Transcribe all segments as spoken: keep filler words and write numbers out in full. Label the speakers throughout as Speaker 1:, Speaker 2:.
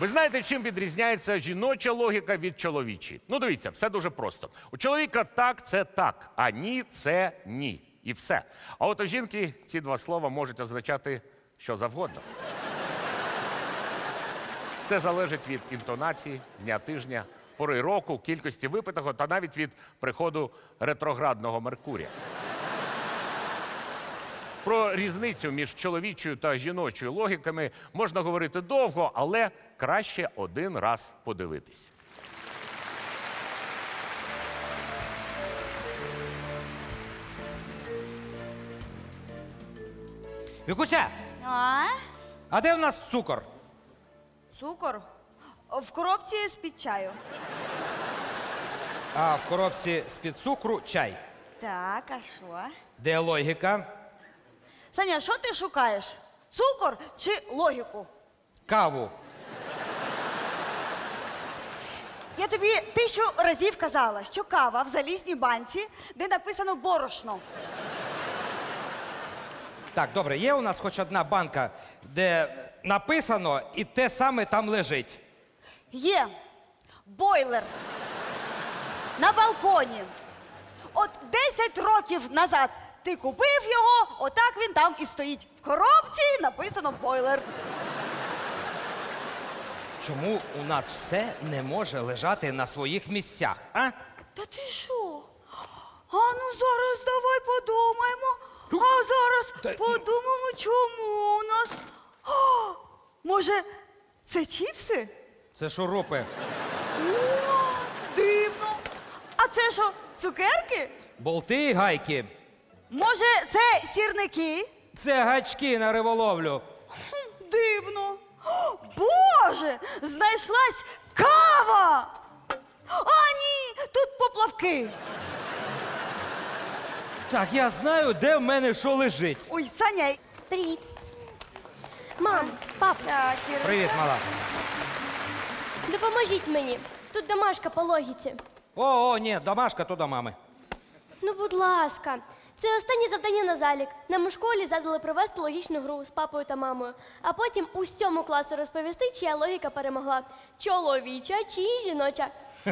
Speaker 1: Ви знаєте, чим відрізняється жіноча логіка від чоловічої? Ну, дивіться, все дуже просто. У чоловіка так – це так, а ні – це ні. І все. А от у жінки ці два слова можуть означати що завгодно. Це залежить від інтонації, дня тижня, пори року, кількості випитого та навіть від приходу ретроградного Меркурія. Про різницю між чоловічою та жіночою логіками можна говорити довго, але краще один раз подивитись.
Speaker 2: Вікуся,
Speaker 3: А?
Speaker 2: а де в нас цукор?
Speaker 3: Цукор? В коробці з-під чаю.
Speaker 2: А в коробці з-під цукру чай.
Speaker 3: Так, а що?
Speaker 2: Де логіка?
Speaker 3: Саня, що ти шукаєш? Цукор чи логіку?
Speaker 2: Каву.
Speaker 3: Я тобі тисячу разів казала, що кава в залізній банці, де написано борошно.
Speaker 2: Так, добре, є у нас хоч одна банка, де написано і те саме там лежить.
Speaker 3: Є бойлер на балконі. От десять років назад ти купив його, отак він там і стоїть. В коробці написано бойлер.
Speaker 2: Чому у нас все не може лежати на своїх місцях, а?
Speaker 3: Та ти що? А ну зараз давай подумаємо. А зараз
Speaker 2: Та-
Speaker 3: подумаємо, чому у нас. А, може, це чіпси?
Speaker 2: Це шурупи.
Speaker 3: О, дивно. А це що, цукерки?
Speaker 2: Болти і гайки.
Speaker 3: Може, це сірники?
Speaker 2: Це гачки на риболовлю.
Speaker 3: Хм, дивно. О, Боже, знайшлась кава! А ні, тут поплавки.
Speaker 2: Так, я знаю, де в мене що лежить.
Speaker 3: Ой, Саня.
Speaker 4: Привіт. Мам, пап,
Speaker 3: Так, Іриса.
Speaker 2: Привіт, мала.
Speaker 4: допоможіть мені. Тут домашка по логіці.
Speaker 2: О, о, ні, домашка то до мами.
Speaker 4: Ну, будь ласка. Це останнє завдання на залік. Нам у школі задали провести логічну гру з папою та мамою, а потім усьому класу розповісти, чия логіка перемогла. Чоловіча чи жіноча.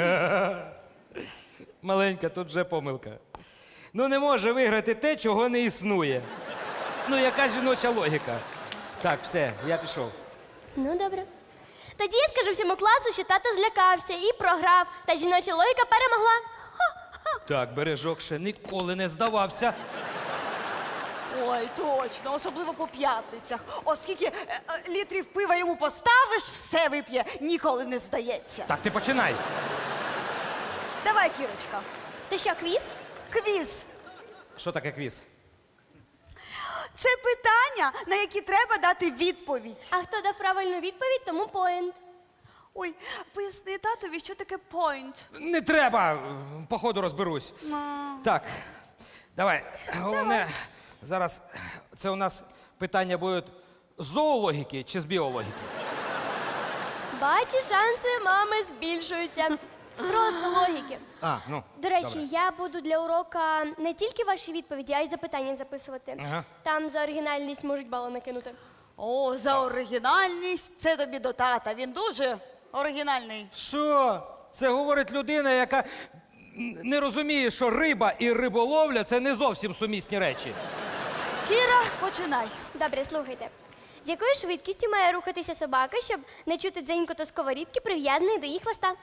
Speaker 2: Маленька, тут вже помилка. Ну не може виграти те, чого не існує. Ну, яка жіноча логіка? Так, все, я пішов.
Speaker 4: Ну, добре. Тоді я скажу всьому класу, що тато злякався і програв, та жіноча логіка перемогла.
Speaker 2: Так, бережок ще ніколи не здавався.
Speaker 3: Ой, точно, особливо по п'ятницях. Оскільки е, е, літрів пива йому поставиш, все вип'є, ніколи не здається.
Speaker 2: Так, ти починай.
Speaker 3: Давай, Кірочка,
Speaker 4: То що, квіз?
Speaker 3: квіз.
Speaker 2: Що таке квіз?
Speaker 3: Це питання, на які треба дати відповідь.
Speaker 4: А хто дав правильну відповідь, тому поінт.
Speaker 3: Ой, поясни татові, що таке point.
Speaker 2: Не треба, по ходу розберусь. Так, давай. Головне, зараз це у нас питання будуть з зоологіки чи з біологіки?
Speaker 4: Бачу, шанси мами збільшуються. Просто логіки.
Speaker 2: А, ну.
Speaker 4: До речі,
Speaker 2: добре.
Speaker 4: я буду для урока не тільки ваші відповіді, а й запитання записувати.
Speaker 2: Ага.
Speaker 4: Там за оригінальність можуть бали накинути.
Speaker 3: О, за оригінальність це тобі до тата. Він дуже оригінальний.
Speaker 2: Що? Це говорить людина, яка не розуміє, що риба і риболовля це не зовсім сумісні речі.
Speaker 3: Кіра, починай.
Speaker 4: Добре, слухайте. З якою швидкістю має рухатися собака, щоб не чути дзенькоту сковорідки, прив'язаної до її хвоста?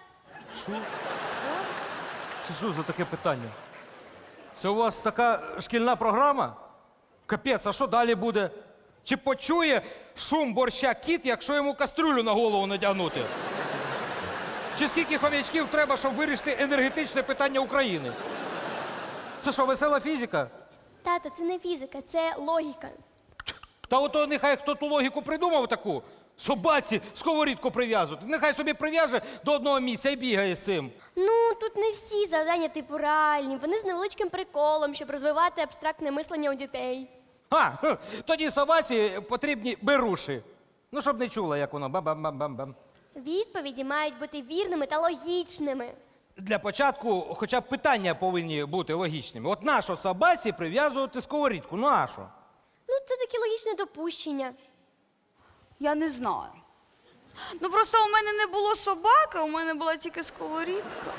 Speaker 2: Це що за таке питання? Це у вас така шкільна програма? Капець, а що далі буде? Чи почує шум борща кіт, якщо йому кастрюлю на голову надягнути? Чи скільки хомячків треба, щоб вирішити енергетичне питання України? Це що, весела фізика?
Speaker 4: Тато, це не фізика, це логіка.
Speaker 2: Та ото нехай хто ту логіку придумав таку. Собаці сковорідку прив'язувати. Нехай собі прив'яже до одного місця і бігає з цим.
Speaker 4: Ну, тут не всі завдання типу реальні. Вони з невеличким приколом, щоб розвивати абстрактне мислення у дітей.
Speaker 2: А, хе, тоді собаці потрібні беруші. Ну, щоб не чула, як воно бам-бам-бам-бам-бам.
Speaker 4: Відповіді мають бути вірними та логічними.
Speaker 2: Для початку хоча б питання повинні бути логічними. От нащо собаці прив'язувати сковорідку? Ну, а що?
Speaker 4: Ну, це таке логічне допущення.
Speaker 3: Я не знаю. Ну просто у мене не було собаки, у мене була тільки сковорідка.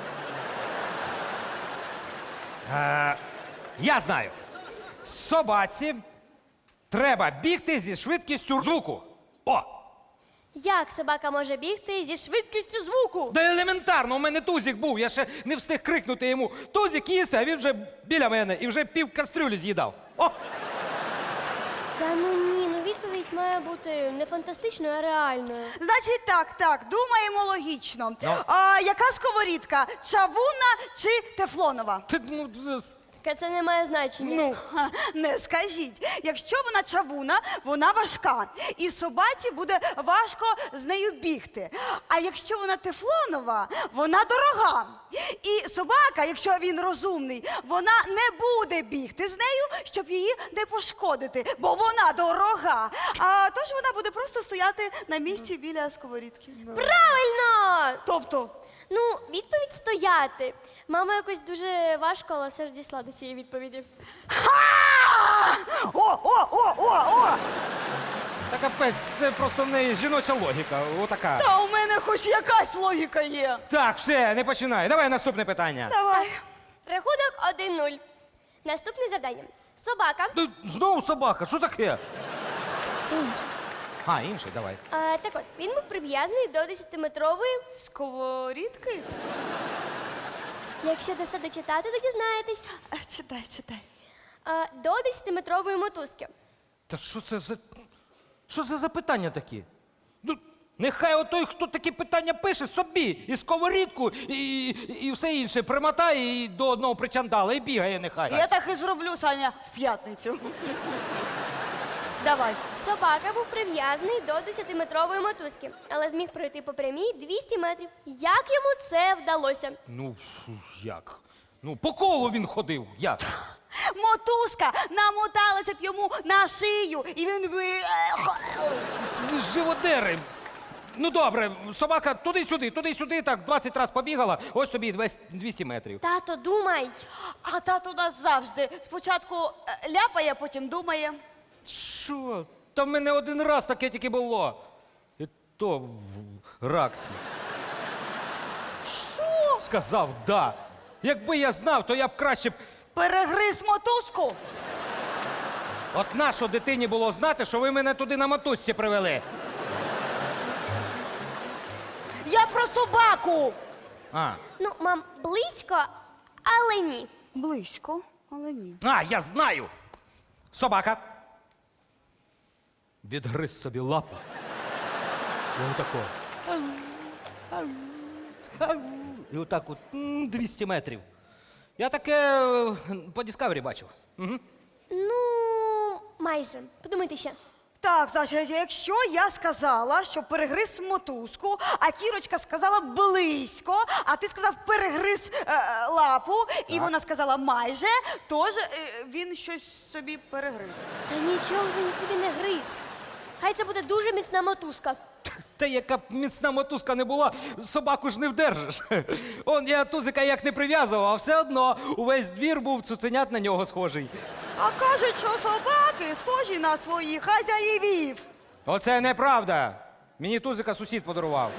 Speaker 2: Е, я знаю. Собаці треба бігти зі швидкістю звуку. О!
Speaker 4: Як собака може бігти зі швидкістю звуку?
Speaker 2: Да елементарно, у мене тузик був, я ще не встиг крикнути йому «Тузик, їсти», а він вже біля мене і вже пів кастрюлі з'їдав. О!
Speaker 4: Та ну ні, ну відповідь має бути не фантастичною, а реальною.
Speaker 3: Значить, так, так, думаємо логічно.
Speaker 2: Ну?
Speaker 3: А, яка сковорідка? Чавунна чи тефлонова?
Speaker 2: Ти, ну, з-
Speaker 4: Таке це не має значення.
Speaker 2: ну,
Speaker 3: Ха, не скажіть. Якщо вона чавуна, вона важка. І собаці буде важко з нею бігти. А якщо вона тефлонова, вона дорога. І собака, якщо він розумний, вона не буде бігти з нею, щоб її не пошкодити, бо вона дорога. А тож вона буде просто стояти на місці біля сковорідки.
Speaker 4: Правильно!
Speaker 3: Тобто,
Speaker 4: Ну, відповідь стояти. Мама якось дуже важко, але все ж дійшла до цієї відповіді.
Speaker 3: ха! О, о, о, о, о!
Speaker 2: та капець, це просто в неї жіноча логіка, отака.
Speaker 3: Та у мене хоч якась логіка є.
Speaker 2: Так, все, не починай. Давай наступне питання.
Speaker 3: Давай.
Speaker 4: Рахунок один нуль. Наступне завдання. Собака.
Speaker 2: Ти знову собака, що таке?
Speaker 4: Інше.
Speaker 2: А, інший, давай.
Speaker 4: А, так от, він був прив'язаний до десятиметрової.
Speaker 3: Сковорідки?
Speaker 4: Якщо дасте дочитати, то дізнаєтесь.
Speaker 3: А, читай, читай.
Speaker 4: А, до десятиметрової мотузки.
Speaker 2: Та що це за. Що це за питання такі? Ну, нехай отой, хто такі питання пише, собі і сковорідку, і, і все інше примотає і до одного причандала і бігає нехай.
Speaker 3: Я так і зроблю, Саня, в п'ятницю. Давай.
Speaker 4: Собака був прив'язаний до десятиметрової мотузки, але зміг пройти по прямій двісті метрів. Як йому це вдалося?
Speaker 2: Ну, фу, як? Ну, по колу він ходив. Як?
Speaker 3: Мотузка намоталася б йому на шию, і він би.
Speaker 2: Ви ж живодери. Ну добре, собака туди-сюди, туди-сюди, так двадцять разів побігала, ось тобі і двісті метрів.
Speaker 4: Тато, думай.
Speaker 3: А тато у нас завжди спочатку е, ляпає, потім думає.
Speaker 2: Що? Та в мене один раз таке тільки було. І то в Раксі.
Speaker 3: Що?
Speaker 2: Сказав да. Якби я знав, то я б краще б.
Speaker 3: Перегриз мотузку?
Speaker 2: От нащо дитині було знати, що ви мене туди на мотузці привели?
Speaker 3: Я про собаку.
Speaker 2: А,
Speaker 4: Ну, мам, близько, але ні.
Speaker 3: Близько, але ні.
Speaker 2: а я знаю. Собака. Відгриз собі лапу. І отако. І отак от м, двісті метрів. Я таке е, по Discovery бачив. Угу.
Speaker 4: Ну, майже. Подумайте ще.
Speaker 3: Так, значить, якщо я сказала, що перегриз мотузку, а Кірочка сказала близько, а ти сказав перегриз е, е, лапу, і вона сказала майже, тож е, він щось собі перегриз.
Speaker 4: Та нічого він собі не гриз. Хай це буде дуже міцна мотузка.
Speaker 2: Та яка б міцна мотузка не була, собаку ж не вдержиш. Он я тузика як не прив'язував, а все одно увесь двір був цуценят на нього схожий.
Speaker 3: А кажуть, що собаки схожі на своїх хазяївів.
Speaker 2: Оце неправда. Мені тузика сусід подарував.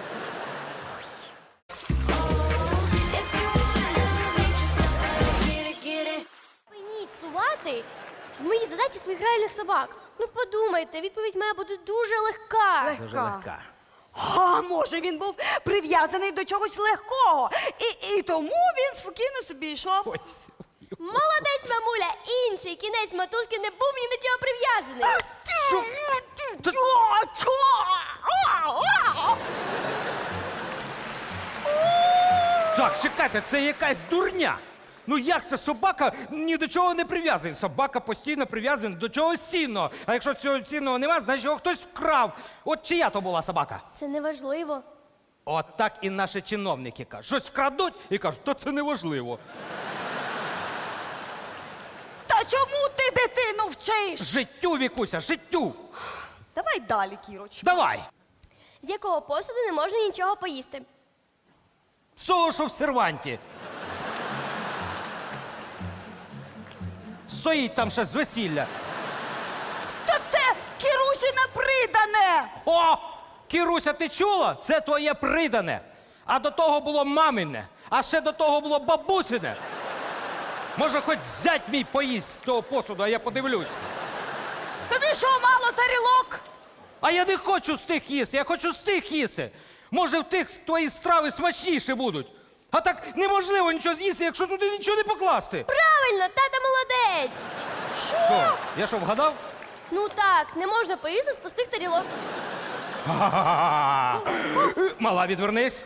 Speaker 4: Припиніть сувати в моїй задачі своїх реальних собак. Ну подумайте, відповідь має бути дуже легка.
Speaker 2: Дуже легка.
Speaker 3: А може він був прив'язаний до чогось легкого, і, і тому він спокійно собі йшов.
Speaker 2: Ось.
Speaker 4: Молодець, мамуля! Інший кінець мотузки не був ні до чого прив'язаний.
Speaker 2: Та- Так, чекайте, це якась дурня. Ну як це собака ні до чого не прив'язана? Собака постійно прив'язана до чогось цінного. А якщо цього цінного нема, значить його хтось вкрав. От чия то була собака?
Speaker 4: Це неважливо.
Speaker 2: От так і наші чиновники кажуть. Щось вкрадуть і кажуть, то це неважливо.
Speaker 3: Та чому ти дитину вчиш?
Speaker 2: Життю, Вікуся, життю.
Speaker 3: Давай далі, Кірочка.
Speaker 2: Давай.
Speaker 4: З якого посуду не можна нічого поїсти?
Speaker 2: З того, що в серванті. Стоїть там ще з весілля.
Speaker 3: Та це Кірусіне придане!
Speaker 2: О! Кіруся, ти чула? Це твоє придане. А до того було мамине, а ще до того було бабусине. Може, хоч зять мій поїсть з того посуду, а я подивлюсь.
Speaker 3: Тобі що, мало тарілок?
Speaker 2: А я не хочу з тих їсти, я хочу з тих їсти. Може, в тих твої страви смачніші будуть. А так неможливо нічого з'їсти, якщо туди нічого не покласти.
Speaker 4: Правильно, тата молодець.
Speaker 2: Що? Я що, вгадав?
Speaker 4: Ну так, не можна поїсти з пустих тарілок.
Speaker 2: Мала, відвернись.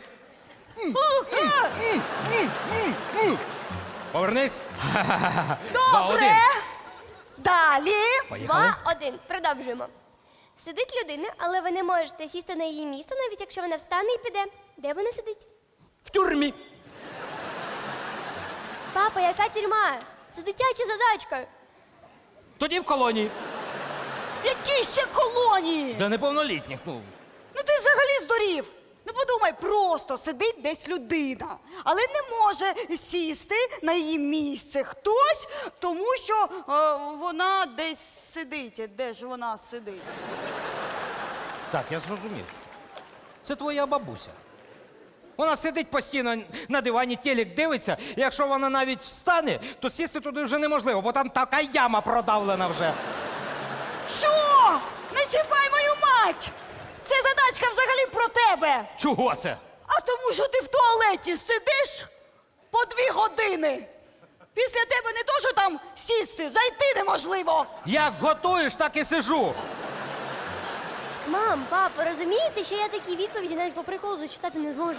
Speaker 2: Повернись. Два, один.
Speaker 3: Добре. Далі.
Speaker 2: Поїхали.
Speaker 4: Два, один. Продовжуємо. Сидить людина, але ви не можете сісти на її місце, навіть якщо вона встане і піде. Де вона сидить?
Speaker 2: В тюрмі.
Speaker 4: Папа, яка тюрма? Це дитяча задачка.
Speaker 2: Тоді в колонії.
Speaker 3: Які ще колонії?
Speaker 2: Для неповнолітніх, ну.
Speaker 3: Ну ти взагалі здурів. Ну подумай, просто сидить десь людина, але не може сісти на її місце хтось, тому що е, вона десь сидить. Де ж вона сидить?
Speaker 2: Так, я зрозумів. Це твоя бабуся. Вона сидить постійно на дивані, телек дивиться, і якщо вона навіть встане, то сісти туди вже неможливо, бо там така яма продавлена вже.
Speaker 3: Що? Не чіпай мою мать! Це задачка взагалі про тебе.
Speaker 2: Чого це?
Speaker 3: А тому, що ти в туалеті сидиш по дві години. Після тебе не то, що там сісти, зайти неможливо.
Speaker 2: Як готуєш, так і сижу.
Speaker 4: Мам, пап, ви розумієте, що я такі відповіді навіть по приколу зачитати не зможу?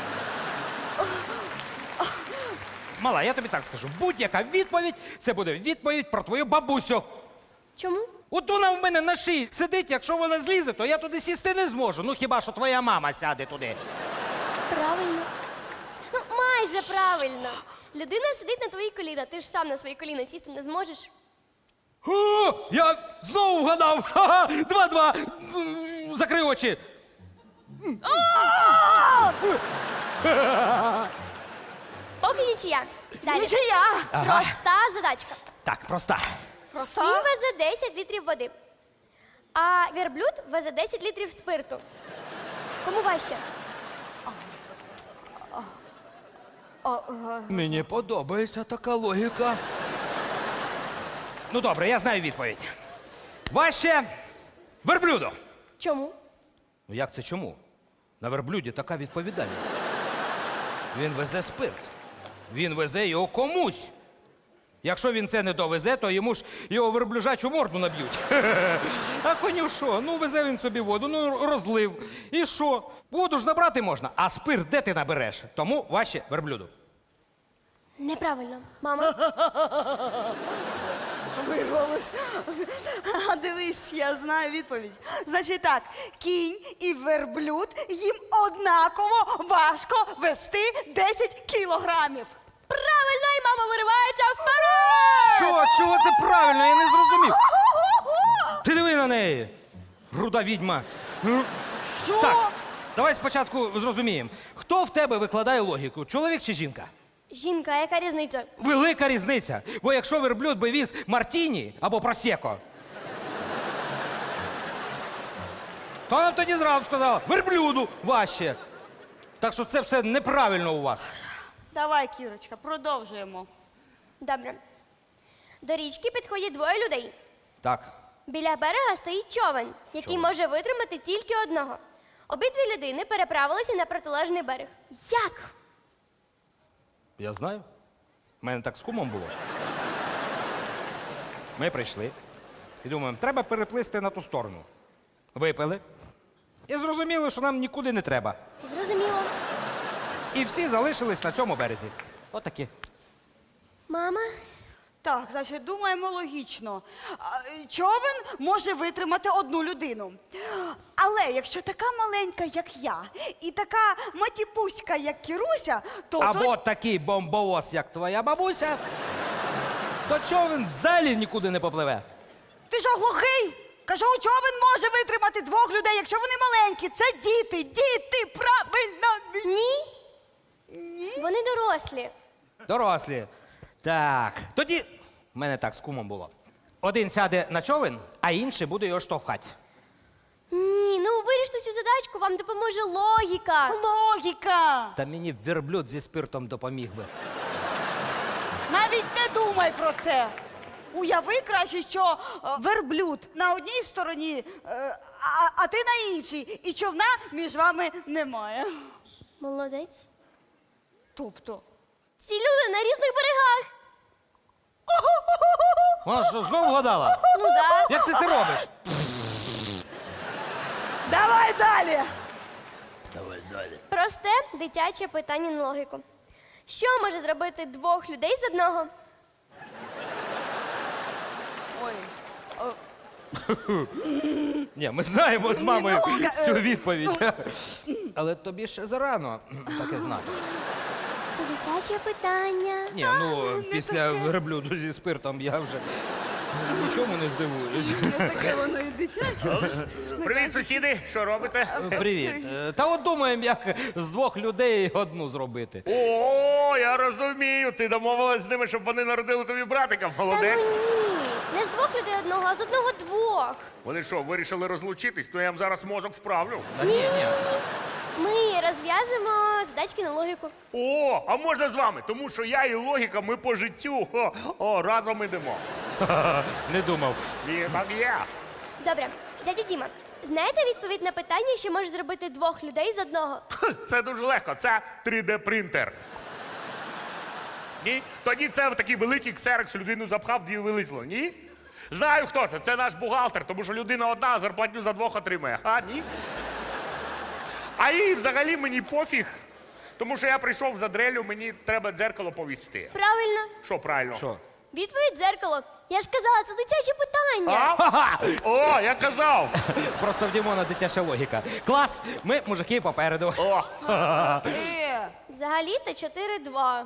Speaker 2: Мала, я тобі так скажу, будь-яка відповідь – це буде відповідь про твою бабусю.
Speaker 4: Чому?
Speaker 2: От вона в мене на шиї сидить, якщо вона злізе, то я туди сісти не зможу. Ну хіба що твоя мама сяде туди.
Speaker 4: Правильно. Ну, майже правильно. Людина сидить на твоїй коліна, ти ж сам на свої коліна сісти не зможеш.
Speaker 2: О, я знову вгадав. Ха-ха, два-два. Закрий очі.
Speaker 4: Поки нічия. Далі.
Speaker 3: Нічия.
Speaker 4: Проста задачка.
Speaker 2: Так, проста.
Speaker 3: Просто.
Speaker 4: Кінь везе десять літрів води, а верблюд везе десять літрів спирту. Кому важче?
Speaker 2: Мені подобається така логіка. Ну добре, я знаю відповідь. Важче верблюду.
Speaker 4: Чому?
Speaker 2: Ну як це чому? На верблюді така відповідальність. Він везе спирт. Він везе його комусь. Якщо він це не довезе, то йому ж його верблюжачу морду наб'ють. А коню що? Ну везе він собі воду, ну розлив. І що? Воду ж набрати можна, а спирт де ти набереш? Тому важче верблюду.
Speaker 4: Неправильно. Мама.
Speaker 3: Вирвалось. А дивись, я знаю відповідь. Значить так, кінь і верблюд їм однаково важко вести десять кілограмів.
Speaker 4: Правильно, і мама виривається вперед!
Speaker 2: Що? Чого це правильно? Я не зрозумів. Ти диви на неї. Руда відьма. Ну,
Speaker 3: Що?
Speaker 2: Так, давай спочатку зрозуміємо. Хто в тебе викладає логіку? Чоловік чи жінка?
Speaker 4: Жінка, яка різниця?
Speaker 2: Велика різниця. Бо якщо верблюд би віз мартіні або просеко, то вона б тоді зразу сказала, верблюду важче. Так що це все неправильно у вас.
Speaker 3: Давай, Кірочка, продовжуємо.
Speaker 4: Добре. До річки підходять двоє людей.
Speaker 2: Так.
Speaker 4: Біля берега стоїть човен, який
Speaker 2: Човен.
Speaker 4: може витримати тільки одного. Обидві людини переправилися на протилежний берег. Як?
Speaker 2: Я знаю. У мене так з кумом було. Ми прийшли і думаємо, треба переплисти на ту сторону. Випили. І зрозуміли, що нам нікуди не треба.
Speaker 4: Зрозуміло.
Speaker 2: І всі залишились на цьому березі. Отакі.
Speaker 4: Мама?
Speaker 3: Так, значить, думаємо логічно. А, Човен може витримати одну людину. Але якщо така маленька, як я, і така матіпуська, як Кіруся, то...
Speaker 2: Або
Speaker 3: то...
Speaker 2: такий бомбовоз, як твоя бабуся, то човен взагалі нікуди не попливе.
Speaker 3: Ти що, глухий? Кажу, човен може витримати двох людей, якщо вони маленькі. Це діти, діти, правильно.
Speaker 4: Ні.
Speaker 3: Ні.
Speaker 4: Вони дорослі.
Speaker 2: Дорослі. Так. Тоді в мене так з кумом було. Один сяде на човен, а інший буде його штовхати.
Speaker 4: Ні, ну виріште цю задачку, вам допоможе логіка.
Speaker 3: Логіка!
Speaker 2: Та мені верблюд зі спиртом допоміг би.
Speaker 3: Навіть не думай про це. Уяви краще, що е, верблюд на одній стороні, е, а, а ти на іншій, і човна між вами немає.
Speaker 4: Молодець.
Speaker 3: Тобто.
Speaker 4: Ці люди на різних берегах.
Speaker 2: Вона що, знов вгадала?
Speaker 4: Ну да.
Speaker 2: Як ти це робиш?
Speaker 3: Давай далі!
Speaker 4: Просте дитяче питання на логіку. Що може зробити двох людей з одного?
Speaker 3: Ой.
Speaker 2: Ні, ми знаємо з мамою
Speaker 3: Ну, е,
Speaker 2: цю відповідь. Але тобі ще зарано таке знати.
Speaker 4: Це дитяче питання.
Speaker 2: Ні, ну після верблюду зі спиртом я вже нічому не здивуюсь.
Speaker 3: Не таке воно і дитяче.
Speaker 1: Привіт, сусіди, що робите?
Speaker 2: Привіт. Е, Та от думаємо, як з двох людей одну зробити.
Speaker 1: О, я розумію. Ти домовилась з ними, щоб вони народили тобі братика.
Speaker 4: Та ну
Speaker 1: Молодець.
Speaker 4: ні. Не з двох людей одного, а з одного двох.
Speaker 1: Вони що, вирішили розлучитись? Ну я їм зараз мозок вправлю.
Speaker 2: Та ні, ні.
Speaker 4: Ми розв'язуємо задачки на логіку.
Speaker 1: О, а можна з вами? Тому що я і логіка, ми по життю. О, о разом ідемо.
Speaker 2: Не думав.
Speaker 1: І так є.
Speaker 4: Добре, дядя Діма, знаєте відповідь на питання, що може зробити двох людей з одного?
Speaker 1: Це дуже легко. Це три де принтер. Ні? Тоді це в такий великий ксерокс людину запхав, дві вилізло. Ні? Знаю, хто це. Це наш бухгалтер, тому що людина одна, а зарплатню за двох отримає. А, ні? А їй взагалі мені пофіг. Тому що я прийшов за дрелю, мені треба дзеркало повісти.
Speaker 4: Правильно.
Speaker 1: Що правильно?
Speaker 2: Що?
Speaker 4: Відповідь дзеркало. Я ж казала, це дитяче питання.
Speaker 1: А? О, я казав.
Speaker 2: Просто в Дімона дитяча логіка. Клас, ми мужики попереду.
Speaker 1: О,
Speaker 3: Е,
Speaker 4: Взагалі-то чотири-два.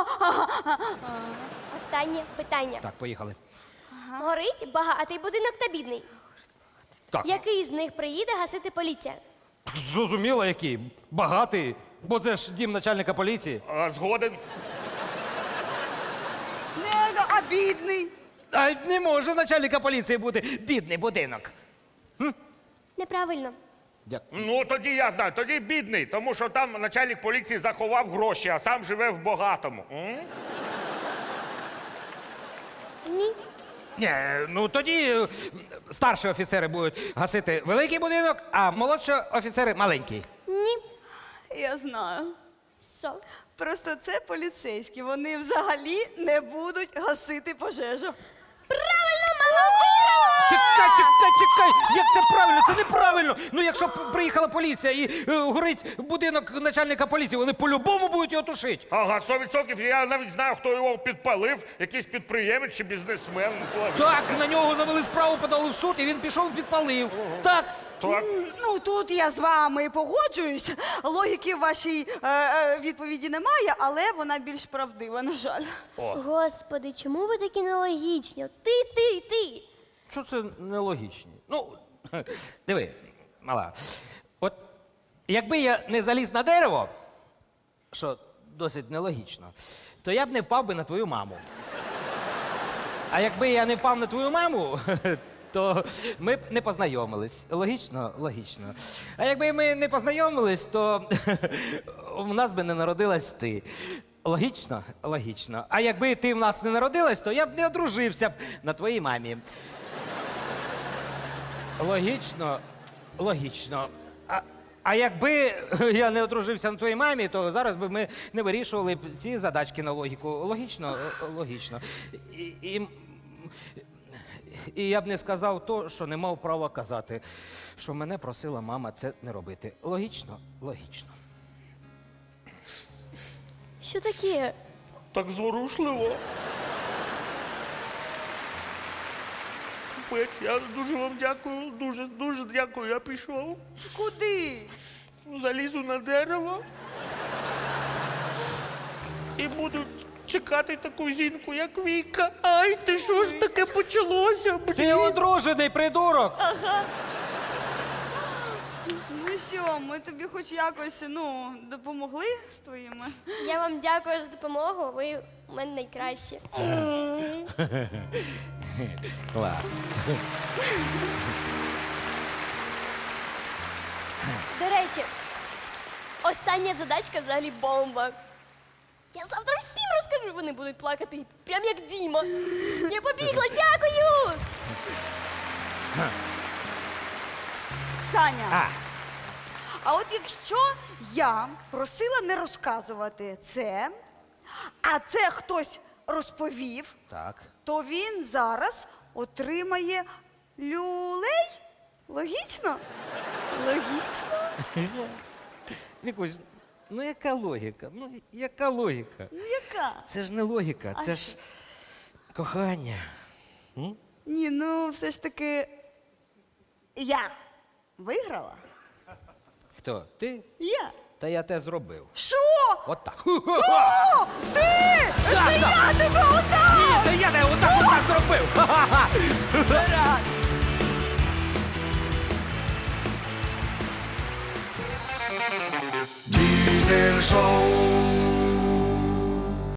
Speaker 4: Останнє питання.
Speaker 2: Так, поїхали.
Speaker 4: Горить багатий будинок та бідний.
Speaker 2: Так,
Speaker 4: Який з них приїде гасити поліція?
Speaker 2: зрозуміло, який. Багатий. Бо це ж дім начальника поліції.
Speaker 1: а, згоден.
Speaker 3: не, а бідний.
Speaker 2: А не може в начальника поліції бути бідний будинок.
Speaker 4: Неправильно.
Speaker 2: Дякую.
Speaker 1: Ну, тоді я знаю, тоді бідний, тому що там начальник поліції заховав гроші, а сам живе в багатому. М?
Speaker 4: Ні.
Speaker 2: Ні, ну тоді е, старші офіцери будуть гасити великий будинок, а молодші офіцери маленький.
Speaker 4: Ні.
Speaker 3: Я знаю.
Speaker 4: Що?
Speaker 3: Просто це поліцейські. Вони взагалі не будуть гасити пожежу.
Speaker 4: Правильно, мама виграла!
Speaker 2: Чекай, чекай, чекай! Як це правильно? Це неправильно! Ну якщо п- приїхала поліція і е, горить будинок начальника поліції, вони по-любому будуть його тушити.
Speaker 1: Ага, сто відсотків. Я навіть знаю, хто його підпалив, якийсь підприємець чи бізнесмен.
Speaker 2: Так, на нього завели справу, подали в суд, і він пішов і підпалив. Так.
Speaker 1: Так.
Speaker 3: Ну тут я з вами погоджуюсь. Логіки в вашій е, е, відповіді немає, але вона більш правдива, на жаль.
Speaker 4: Господи, чому ви такі нелогічні? От Ти, ти, ти.
Speaker 2: Що це нелогічно? Ну, диви, мала. От якби я не заліз на дерево, що досить нелогічно, то я б не впав би на твою маму. А якби я не впав на твою маму, то ми б не познайомились. Логічно? Логічно. А якби ми не познайомились, то в нас би не народилась ти. Логічно? Логічно. А якби ти в нас не народилась, то я б не одружився б на твоїй мамі. Логічно? Логічно. А, а якби я не одружився на твоїй мамі, то зараз би ми не вирішували б ці задачки на логіку. Логічно? Е, Логічно. І, і, і я б не сказав то, що не мав права казати, що мене просила мама це не робити. Логічно? Логічно.
Speaker 4: Що таке?
Speaker 1: Так зворушливо. Капець, я дуже вам дякую, дуже, дуже дякую. Я пішов,
Speaker 3: Куди?
Speaker 1: залізу на дерево і буду чекати таку жінку, як Віка. Ай, ти що ж таке почалося?
Speaker 2: Ти одружений, придурок!
Speaker 3: Ну що, ми тобі хоч якось ну, допомогли з твоїми?
Speaker 4: Я вам дякую за допомогу. Ви у мене найкращі.
Speaker 2: Клас.
Speaker 4: До речі, остання задачка взагалі бомба. Я завтра всім розкажу, вони будуть плакати, прям як Діма. Я побігла, дякую!
Speaker 3: Саня,
Speaker 2: А,
Speaker 3: а от якщо я просила не розказувати це, а це хтось розповів,
Speaker 2: так.
Speaker 3: то він зараз отримає люлей? Логічно? Логічно?
Speaker 2: Вікусь, ну яка логіка? Ну яка логіка?
Speaker 3: Ну яка?
Speaker 2: Це ж не логіка,
Speaker 3: А
Speaker 2: це ж кохання.
Speaker 3: Ні, ну все ж таки я виграла.
Speaker 2: Хто? Ти?
Speaker 3: Я.
Speaker 2: Та я те зробив.
Speaker 3: Що?
Speaker 2: От так.
Speaker 3: О, ти! Це я тебе отак!
Speaker 2: Ні, це я тебе отак отак зробив. Ха-ха-ха.
Speaker 5: Diesel Show.